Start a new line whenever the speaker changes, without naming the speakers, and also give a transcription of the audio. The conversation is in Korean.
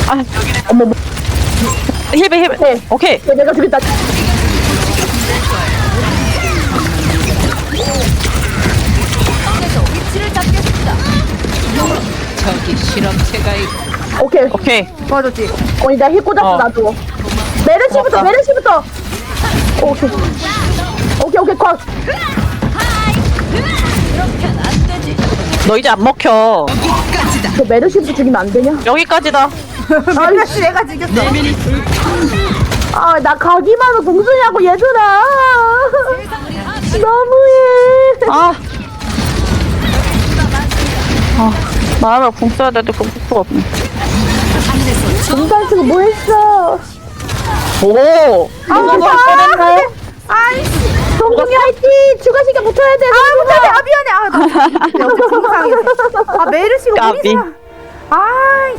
아,
어머, 뭐.
힐베.
네.
오케이.
내가 죽였다.
저기 실험체가 있고
오케이.
오케이.
도와줬지.
나 힐 꽂았어,
어.
나도. 메르시부터,
고맙다.
메르시부터. 오케이. 오케이, 컷.
너 이제 안 먹혀.
저 메르시부터 죽이면 안 되냐?
여기까지다.
아이씨, 내가 죽였어.
나 가기만 해, 동순이하고 얘들아. 너무해.
아. 말하면 궁 써야 되는데 궁 쓸 수가 없네.
동산 쓰고 뭐 했어?
오. 이거 뭐 꺼냈나요?
아이씨.
동순이 화이팅! 추가시간 붙어야 돼.
못하네. 미안해. 나 정상했어. 메르시가
까비.
우리 아,